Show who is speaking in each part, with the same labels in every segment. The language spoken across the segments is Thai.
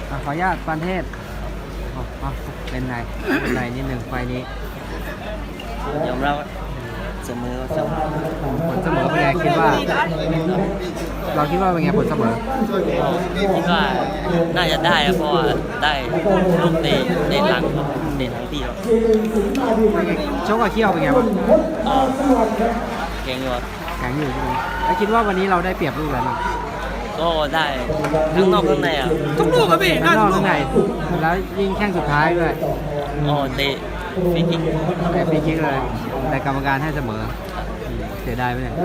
Speaker 1: ขออนุญาตปานเทศเป็นไงนิดหนึ่งไฟนี้
Speaker 2: ยอมรับเสมอ
Speaker 1: ผลเสมอเป็นไงคิดว่าเราคิดว่าเป็นไงผลเสมอ
Speaker 2: คิดว่าน่าจะได้เพราะว่าได้ลูกเตะหลังที่เรา
Speaker 1: ชกกับเขี้ยวเป็นไงบ้าง
Speaker 2: แข็งอยู่
Speaker 1: แข็งอยู่ใช่ไหมแล้วคิดว่าวันนี้เราได้เปรียบลูกอะไรบ้าง
Speaker 2: ก็ได้ทั้งนอกทั้งใน
Speaker 1: ทุกลูกครับพี่ทั้งนอกทั้งในแล้วยิงแข้งสุดท้ายด้วย
Speaker 2: เตะฟรีคิก
Speaker 1: เลยแต่กรรมการให้เสมอเสียดายไหมเนี่ย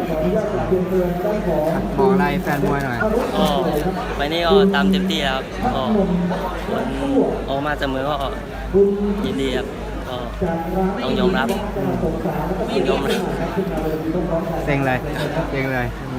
Speaker 1: บอกอะไรแฟนมวยหน่อย
Speaker 2: ไปนี่ก็ตามเต็มที่ครับก็ออกมาเสมอก็ยินดีครับก็ต้องยอมรับ
Speaker 1: เซ็งเลยเซ็ง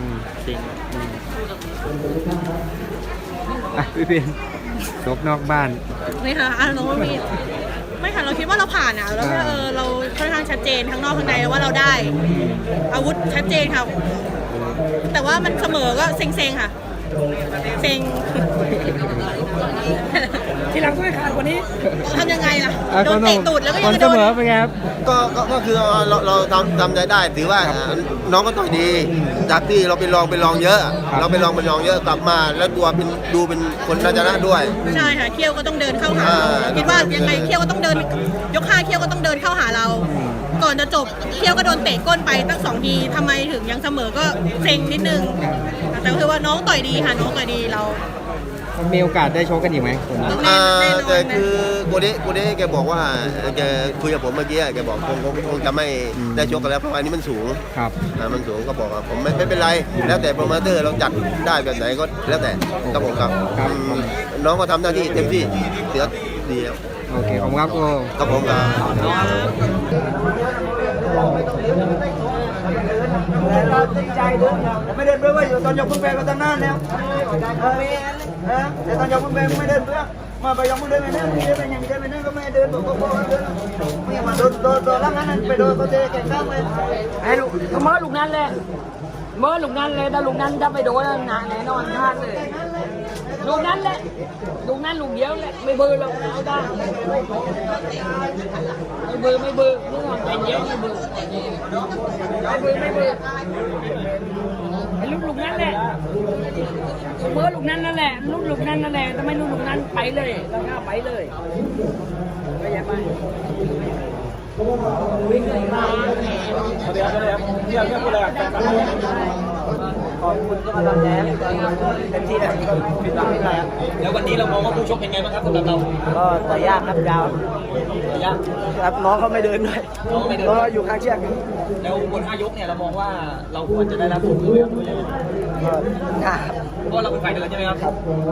Speaker 1: พี่เพียนชกนอกบ้าน
Speaker 3: ไม่ค่ะไม่ค่ะเราคิดว่าเราผ่านอ่ะแล้วเราค่อนข้างชัดเจนทั้งนอกทั้งในว่าเราได้อาวุธชัดเจนค่ะแต่ว่ามันเสมอก็เซ็งค่ะเซ็งทีหลังก็ไม่ขาดกว่านี้ทำยังไงล่ะโดนเตะตูดแล้วก็ยังโดน
Speaker 1: เสมอเป็นไงครับ
Speaker 4: ก็คือเราทำใจได้ถือว่าน้องก็ต่อยดีจากที่เราไปลองเยอะเราไปลองเยอะกลับมาแล้วดูเป็นคนน่าจะน่าด้วย
Speaker 3: ใช่ค่ะเขี้ยวก็ต้องเดินเข้าหาคิดว่ายังไงเขี้ยวก็ต้องเดินยก5เขี้ยวก็ต้องเดินเข้าหาเราก่อนจะจบเขี้ยวก็โดนเตะก้นไปตั้ง2 ทีทำไมถึงยังเสมอก็เซ็งนิดนึงแต่คือว่าน้องต่อยดีค่ะน้องต่อยดีเรา
Speaker 1: มีโอกาสได้ชกกันอีกไหม
Speaker 4: แต่คือโกเด้แกบอกว่าแกคุยกับผมเมื่อกี้แกบอกคงจะไม่ได้ชกกันแล้วเพราะอันนี้มันสูง
Speaker 1: ครับ
Speaker 4: มันสูงก็บอกว่าผมไม่เป็นไรแล้วแต่โปรโมเตอร์เราจัดได้แบบไหนก็แล้วแต่ครับผมครับน้องก็ทำหน้าที่เต็มที่เสือดีแล้ว
Speaker 1: โอเคผมครับ
Speaker 4: ครับผมครับ
Speaker 5: เราตั้งใจเดินไม่เดินเพื่อว่าอยู่ตอนยกพุ่งแบกก็ตั้งนานแล้วแต่ตอนยกพุ่งแบกไม่เดินเพื่อมาไปยกพุ่งเดินไม่เดินไม่เดินอย่างนี้เดินไม่เดินก็ไม่เดินบอกก็เดินไม่มาโดนล่างนั้นไปโดนก็จะแข่งข้ามเลย
Speaker 6: ไอ้ลูกเมื่อลูกนั้นเลยถ้าลูกนั้นจะไปโดนหนาแน่นอนพลาดเลยลูกนั้นแหละลูกนั้นลูกเดียวแหละไม่เบื่อเราเอาได้ไม่เบื่อเรื่องใจเย็นไม่เบื่อไอ้ลูกนั้นแหละเมื่อลูกนั้นนั่นแหละลูกนั้นนั่นแหละทำไมลูกนั้นไปเลยเราหน้าไปเลยไม่ใช่ไปวิ่งเลยมาเดี๋ยวพูดอะไรขอบคุณก็มาทำแพ้เต็มที่เลยผิดหวังไม่ได้ครับ
Speaker 7: แล้ววันนี้เรามองว่าผู้ชกเป็นไงบ้างครับสำหรับเรา
Speaker 5: ก็ต่อยยากครับยาวต่อยยากครับน้องเขาไม่เดินด้วยเพราะอยู่ข้างเชือก
Speaker 7: แล้วบน5 ยกเนี่ยเรามองว่าเราควรจะได้รับผลประโยชน์ด้วยเพราะเราเป็นฝ่ายเดินใช่ไหมครับ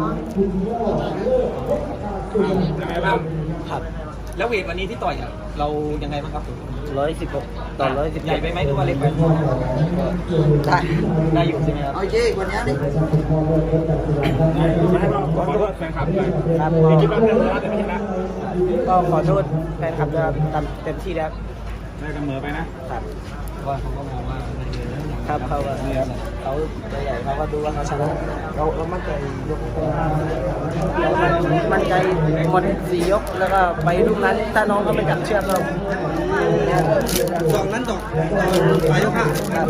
Speaker 7: ยังไงบ้างครับแล้วเวทวันนี้ที่ต่อยเรายังไงบ้างครับ
Speaker 5: 116ต่อ110
Speaker 7: ใหญ่ไปไหมหรือว่าเล็กไปได้อยู่ใช่ไหมครับ
Speaker 5: โอเควันนี้นี่
Speaker 7: ขอโทษแฟนคลับด้วย
Speaker 5: ครับ
Speaker 7: คิดว่าเป็นแต่ไม่ชนะ
Speaker 5: ก็ขอโทษแฟนคลับด้วยทำเต็มที่แล้ว
Speaker 7: ได้เสมอไปนะครับว่าเขาก็มองว่า
Speaker 5: ครับเขาตัวใหญ่เขาก็ดูว่าเขาชนะเรามั่นใจยกมั่นใจหมด4 ยกแล้วก็ไปลูกนั้นถ้าน้องเขาไม่จับเชือกเรา
Speaker 8: 2 นั้นต่อปลายยก 5ครับ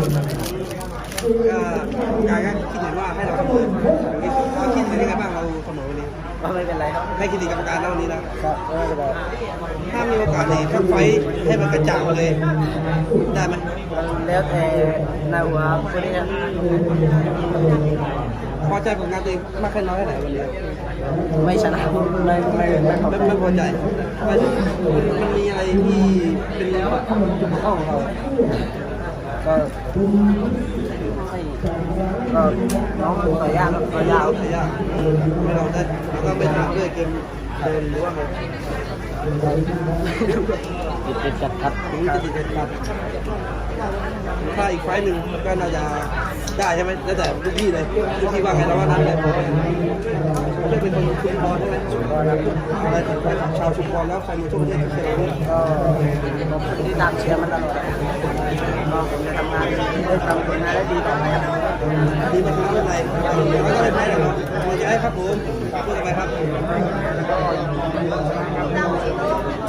Speaker 8: กายก็คิดเหมือนว่าให้เราเสมอเราคิดเป็นยังไงบ้างเราเสมอวันนี้
Speaker 5: ไม่เป็นไรครับ
Speaker 8: ให้คิดดีกรรมการแล้ววันนี้แล้ว
Speaker 5: ครับไม่เป็นไร
Speaker 8: ถ้ามีโอกาสเนี่ยถ้าไฟให้มันกระจ่างเลยได้ไหม
Speaker 5: แล้วแต่ในหัวคนนี้
Speaker 8: พอใจผลงานตัวเองมากแค่น้อยแค่ไหนวันนี้
Speaker 5: ไม่ชนะ
Speaker 8: ไม่พอใจมันมีอะไรที่เป็นจุดบกพร่องของเรา
Speaker 5: ก็น้องต่อยยากต่อยยาว
Speaker 8: ไม่เราได้แล้วก็ไม่ทำด้วยเกมเดินหรือว่าไง
Speaker 5: ติดจัดครับ
Speaker 8: ถ้าอีกไฟล์หนึ่งก็น่าจะได้ใช่ไหมแล้วแต่ทุกที่เลยทุกที่ว่าไงแล้วว่านั้นแหละไม่เป็นคนชุมพรใช่ไหมชุมพรครับชาวชุมพรแล้วใครมาช่วยประเทศเชียร์
Speaker 5: ก็ขอบคุณที่ตามเชียร์มันตลอดก็ผมจะทำงานได้ดีต่อไปครับ
Speaker 8: ดีมาชนะไม่เป็นไรไม่ก็เลยแพ้นะครับมาใจครับผมพูดกันไปครับ